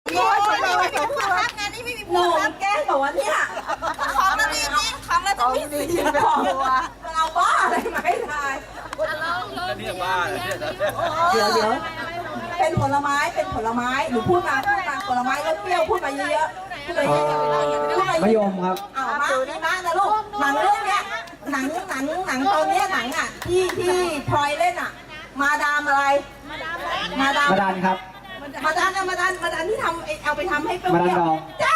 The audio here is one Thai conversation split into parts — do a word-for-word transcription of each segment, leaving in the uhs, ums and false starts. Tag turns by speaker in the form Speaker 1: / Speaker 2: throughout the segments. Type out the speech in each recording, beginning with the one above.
Speaker 1: โง่ชนเลยไม่มีผู้รับงานนี้ไม่มีผู้รับแกล้งบอกว่าเนี่ยของเราดีนี่ของเราต้องมีสีตัวเราบ้าอะไรไหมทาย
Speaker 2: นี่บ้า
Speaker 1: เดี๋ยวเดี๋ยวเป็นผลไม้เป็นผลไม้หนูพูดมาพูดมาผลไม้แล้วเปรี้ยวพูดมาเยอะๆพูดมาเยอะๆ
Speaker 3: มะยมครับ
Speaker 1: เอามาดีมากนะลูกหนังเรื่องเนี้ยหนังหนังหนังตอนเนี้ยหนังอ่ะที่ที่พลอยเล่นอ่ะมาดามอะไรมาดาม
Speaker 3: มาดันครับ
Speaker 1: มาดามมาดามมาดามที่ทำเอาไปทำให้เปรี้ยว
Speaker 3: มาดันดอง
Speaker 1: จ้า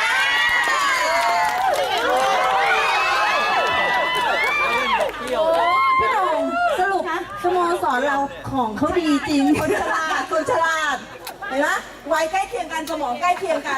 Speaker 1: พี่หนุ่มสรุปสโมสรเราของเขาดีจริงคนฉลาดคนฉลาดเห็นไหมวัยใกล้เคียงกันสมองใกล้เคียงกัน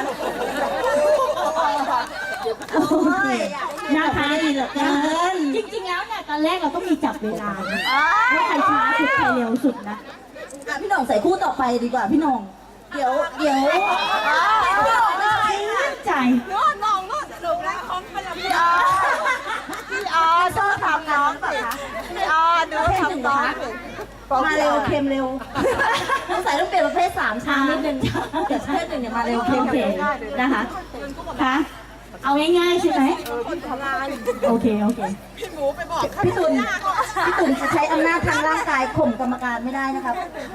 Speaker 4: น่าทานดีเหลือเกินจริงๆแล้วเนี่ยตอนแรกเราต้องมีจับเวลาว่าใครช้าสุดใครเร็วสุดนะ
Speaker 1: พี่หน่องใส่คู่ต่อไปดีกว่าพี่หน่องเดี๋ยวเดี๋ยวพี่หน่องไม่ใช่
Speaker 4: ใจ
Speaker 1: น้องน้องน้องสรุปแล้วของเป็นพี่ออพี่ออชอบทำน้องป่ะคะพี่ออดูทำน้องมาเร็วเค็มเร็วต้องใส่ต้องเปลี่ยนประเภทสามชานิดนึงเดี๋ยวประเภทหนึ่งเนี่ยมาเร็วเค็มเค็ม
Speaker 4: นะคะคะเอาง่ายๆใช่ไหมโอเคโอเค
Speaker 1: พี่หมูไปบอกพี่ตุ่นพี่ตุ่นจะใช้อำนาจทางร่างกายข่มกรรมการไม่ได้นะครับ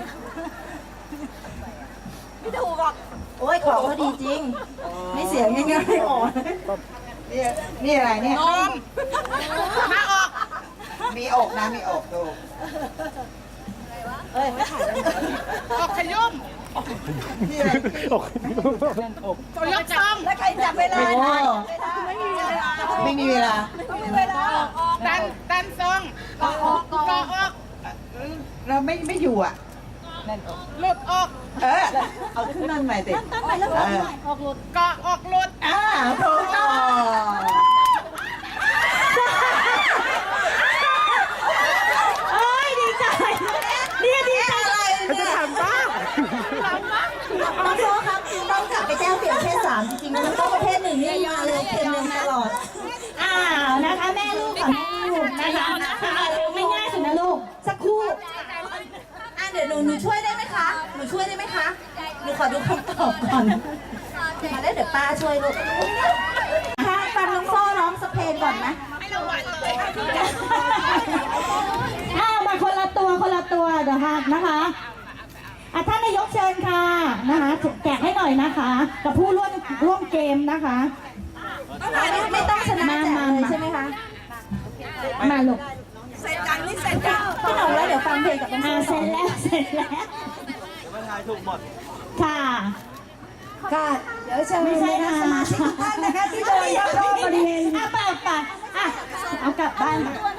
Speaker 1: พี่ถูกบอกโอ้ยของเขาดีจริงไม่เสียง่ายๆอ่อนนี่นี่อะไรเนี่ยนมมาออกมีอกนะมีอกดูเอ้ยไม่ถ่ายออกขยุ่มนี่อะไรอกตัวยกซ้ำแล้วใครจับเวลาไม่มีเวลาไม่มีเวลาไม่มีเวลาดันดันซองก็ออกก็ออกเราไม่ไม่อยู่อ่ะนั่นออกหลุดออกเออเอาขึ้นนั่นใหม่ติตั้งใหม่แล้วออกใหม่ออกหลุดก็ออกหลุดอ่าถูกต้อง
Speaker 4: เอ้ยดีใจนี่ดีใจ
Speaker 1: อะไรจะทำบ้างน้องโซ่ครับต้องกลับไปแจ้งเปลี่ยนเพศสามจริงๆมันต้องประเภทหนึ่งนี่มาเลยเค็มเร็วตลอด
Speaker 4: อ้าวนะคะแม่ลูกกับแม่ลูกนะคะไม่ง่ายสุดนะลูกสักครู่
Speaker 1: อ่ะเดี๋ยวหนูหนูช่วยได้ไหมคะหนูช่วยได้ไหมคะหนูขอดูคำตอบก่อนมาแล้วเดี๋ยวป้าช่วยลูกถ้าฟังน้องโซ่ร้องสเพลงก่อนนะไม่ระวังเลย
Speaker 4: อ้าวมาคนละตัวคนละตัวเดี๋ยวค่ะนะคะอ่ะท่านนายกเชิญค่ะนะคะแจกให้หน่อยนะคะกับผู้ร่วมร่วมเกมนะคะ
Speaker 1: ไม่ต้องชนะแจกเลยใช่ไหมคะ
Speaker 4: มาลูก
Speaker 1: เสร็จจังนี่เสร็จจังพี่หนุ่มแล้วเดี๋ยวฟังเพลงกับ
Speaker 4: อ่าเสร็จแล้วเสร็จแล้ว
Speaker 2: ไม่ทายถูกหมด
Speaker 4: ค่ะ
Speaker 1: ค่ะเดี๋ยวเชิญไม่ใช่นะสมาชิกทุกท่านนะคะที่โดนยกโทษบริเวณ
Speaker 4: อ่ะไปไปอ่ะเอากลับบ้าน